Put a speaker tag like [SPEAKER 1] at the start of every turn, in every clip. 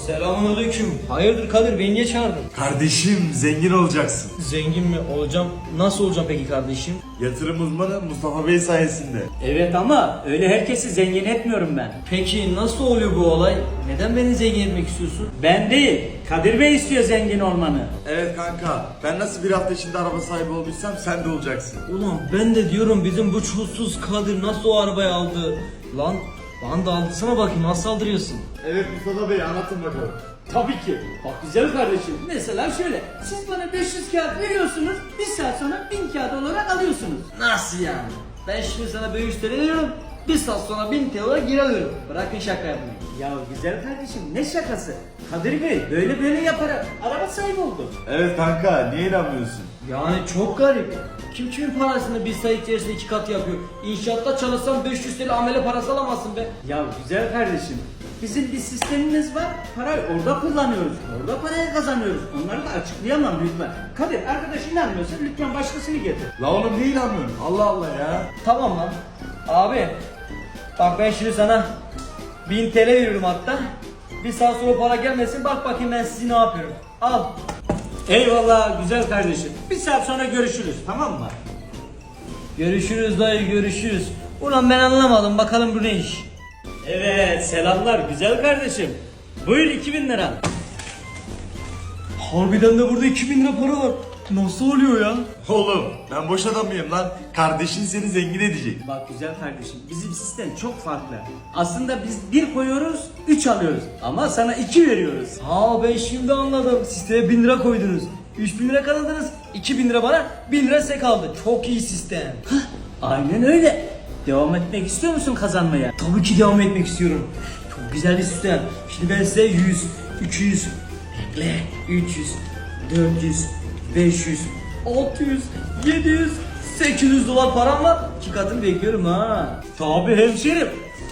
[SPEAKER 1] Selamünaleyküm. Hayırdır Kadir, beni niye çağırdın?
[SPEAKER 2] Kardeşim zengin olacaksın.
[SPEAKER 1] Zengin mi olacağım? Nasıl olacağım peki kardeşim?
[SPEAKER 2] Yatırım uzmanı Mustafa Bey sayesinde.
[SPEAKER 3] Evet ama öyle herkesi zengin etmiyorum ben.
[SPEAKER 1] Peki nasıl oluyor bu olay? Neden beni zengin etmek istiyorsun?
[SPEAKER 3] Ben değil, Kadir Bey istiyor zengin olmanı.
[SPEAKER 2] Evet kanka, ben nasıl bir hafta içinde araba sahibi olduysam sen de olacaksın.
[SPEAKER 1] Ulan ben de diyorum bizim bu çulsuz Kadir nasıl o arabayı aldı? Lan bana da aldısana bakayım, nasıl saldırıyorsun?
[SPEAKER 2] Evet Mustafa Bey, anlatın bakalım.
[SPEAKER 3] Tabii ki. Bak güzel kardeşim. Mesela şöyle, siz bana 500 kağıt veriyorsunuz, bir saat sonra 1000 kağıt olarak alıyorsunuz.
[SPEAKER 1] Nasıl yani? Ben şimdi sana 500 TL veriyorum, bir saat sonra 1000 TL olarak geri alıyorum. Bırakın şaka yapmayı.
[SPEAKER 3] Ya güzel kardeşim, ne şakası? Kadir Bey böyle yaparak araba sahibi oldu.
[SPEAKER 2] Evet kanka, niye inanmıyorsun?
[SPEAKER 1] Yani çok garip. Kim kimin parasını bir sayı içerisinde 2 kat yapıyor? İnşaatta çalışsan 500 TL amele parası alamazsın be.
[SPEAKER 3] Ya güzel kardeşim, bizim bir sistemimiz var, parayı orada kullanıyoruz, orada parayı kazanıyoruz. Onları da açıklayamam lütfen. Kadir, arkadaş inanmıyorsa lütfen başkasını getir.
[SPEAKER 2] La oğlum niye inanmıyorsun? Allah Allah ya.
[SPEAKER 1] Tamam lan. Abi bak ben şimdi sana 1000 TL veriyorum hatta. Bir saat sonra para gelmesin, bak bakayım ben sizi ne yapıyorum. Al.
[SPEAKER 3] Eyvallah güzel kardeşim. Bir saat sonra görüşürüz, tamam mı?
[SPEAKER 1] Görüşürüz dayı, görüşürüz. Ulan ben anlamadım, bakalım bu ne iş.
[SPEAKER 3] Evet, selamlar güzel kardeşim. Buyur 2000 lira.
[SPEAKER 1] Harbiden de burada 2000 lira para var. Nasıl oluyor ya?
[SPEAKER 2] Oğlum ben boş adam mıyım lan? Kardeşin seni zengin edecek.
[SPEAKER 3] Bak güzel kardeşim, bizim sistem çok farklı. Aslında biz 1 koyuyoruz, 3 alıyoruz. Ama sana 2 veriyoruz.
[SPEAKER 1] Ha ben şimdi anladım. Sisteme 1000 lira koydunuz. 3000 lira kazandınız. 2000 lira bana, 1000 lira size kaldı. Çok iyi sistem.
[SPEAKER 3] Aynen öyle. Devam etmek istiyor musun kazanmaya?
[SPEAKER 1] Tabii ki devam etmek istiyorum. Çok güzel bir sistem. Şimdi ben size 100, 200, bekle, 300, 400, 500, 600, 700, 800 dolar param var. 2 katını bekliyorum ha.
[SPEAKER 3] Tabii hemşerim.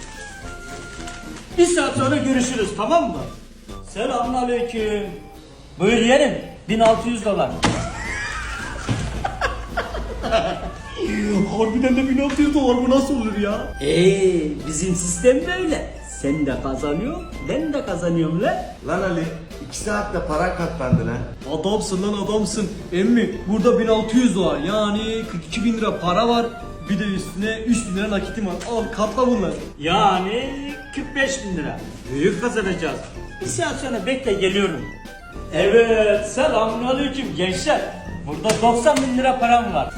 [SPEAKER 3] Bir saat sonra görüşürüz, tamam mı? Selamünaleyküm. Buyur yeğenim, 1600 dolar.
[SPEAKER 1] Harbiden de 1600 dolar, bu nasıl olur ya?
[SPEAKER 3] Bizim sistem böyle. Sen de kazanıyorsun, ben de kazanıyorum lan.
[SPEAKER 2] Lan Ali, 2 saatte para katlandı lan.
[SPEAKER 1] Adamsın lan adamsın. Emmi burada 1600 dolar, yani 42 bin lira para var. Bir de üstüne 3000 lira nakitim var. Al katla bunları.
[SPEAKER 3] Yani 45 bin lira. Büyük kazanacağız. Bir saat sonra bekle, geliyorum. Evet, selamünaleyküm gençler. Burada 90 bin lira param var.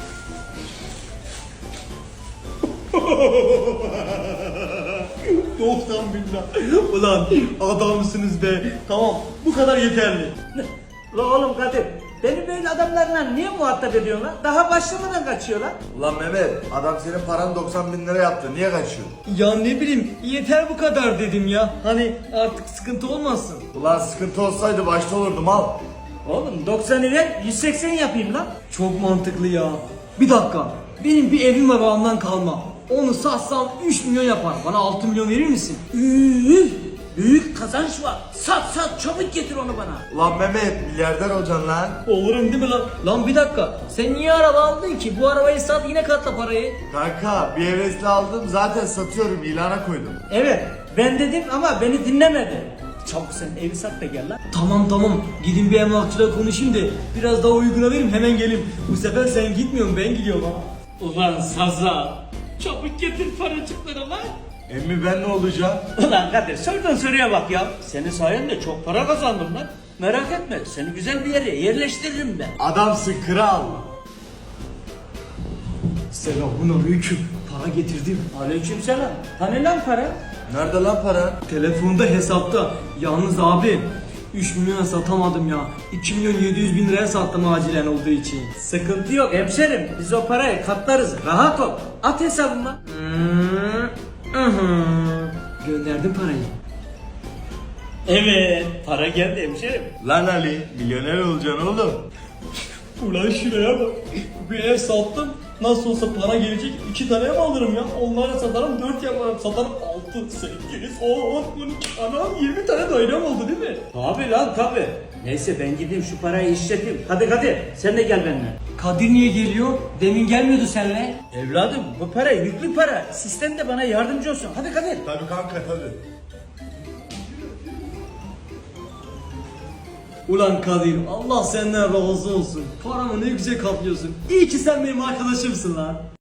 [SPEAKER 1] 90 bin lira. Ulan adamsınız be. Tamam, bu kadar yeterli.
[SPEAKER 3] La oğlum Kadir, beni böyle adamlarla niye muhatap ediyorsun lan? Daha başlamadan kaçıyorlar.
[SPEAKER 2] Ulan Mehmet, adam senin paranı 90 bin lira yaptı. Niye kaçıyor?
[SPEAKER 1] Ya ne bileyim, yeter bu kadar dedim ya. Hani artık sıkıntı olmasın.
[SPEAKER 2] Ulan sıkıntı olsaydı başta olurdum al.
[SPEAKER 3] Oğlum 90'ı ver, 180 yapayım lan.
[SPEAKER 1] Çok mantıklı ya. Bir dakika, benim bir evim var babamdan kalma. Onu satsam 3 milyon yapar. Bana 6 milyon verir misin?
[SPEAKER 3] Büyük kazanç var. Sat çabuk getir onu bana.
[SPEAKER 2] Ulan Mehmet, milyarder olacaksın lan.
[SPEAKER 1] Olurum değil mi lan? Lan bir dakika, sen niye araba aldın ki? Bu arabayı sat, yine katla parayı.
[SPEAKER 2] Kanka bir hevesle aldım, zaten satıyorum, ilana koydum.
[SPEAKER 3] Evet, ben dedim ama beni dinlemedi. Çabuk sen evi sat da gel lan.
[SPEAKER 1] Tamam, gidin bir emlakçıyla konuşayım da biraz daha uyguna vereyim, hemen geleyim. Bu sefer sen gitmiyorsun, ben gidiyorum ha.
[SPEAKER 3] Ulan Saza, çabuk getir paracıkları lan.
[SPEAKER 2] Emmi ben ne olacağım?
[SPEAKER 3] Ulan Kadir, sorduğun soruya bak ya. Senin sayende çok para kazandım lan. Merak etme, seni güzel bir yere yerleştiririm ben.
[SPEAKER 2] Adamsın kral.
[SPEAKER 1] Selamünaleyküm. Para getirdim.
[SPEAKER 3] Aleykümselam. Hani lan para?
[SPEAKER 2] Nerede lan para?
[SPEAKER 1] Telefonda, hesapta. Yalnız abi 3 milyona satamadım ya. 2 milyon 700 bin liraya sattım acilen olduğu için.
[SPEAKER 3] Sıkıntı yok hemşerim. Biz o parayı katlarız. Rahat ol. At hesabıma.
[SPEAKER 1] Gönderdim parayı.
[SPEAKER 3] Evet, para geldi hemşerim.
[SPEAKER 2] Lan Ali, milyoner olacaksın oğlum.
[SPEAKER 1] Ulan şuraya bak. Bir ev sattım. Nasıl olsa para gelecek. 2 tane mi alırım ya? Onlara satarım, 4 yaparım. Satarım 6, 8, 10, 12. Anam 20 tane dairem oldu değil mi?
[SPEAKER 3] Tabi lan tabi. Neyse ben gideyim şu parayı işleteyim. Hadi Kadir, sen de gel benimle.
[SPEAKER 1] Kadir niye geliyor? Demin gelmiyordu seninle.
[SPEAKER 3] Evladım, bu para yüklü para. Sistem de bana yardımcı olsun. Hadi Kadir.
[SPEAKER 2] Tabii kanka tabii.
[SPEAKER 4] Ulan Kadir, Allah senden razı olsun. Paramı ne güzel kaplıyorsun. İyi ki sen benim arkadaşımsın lan.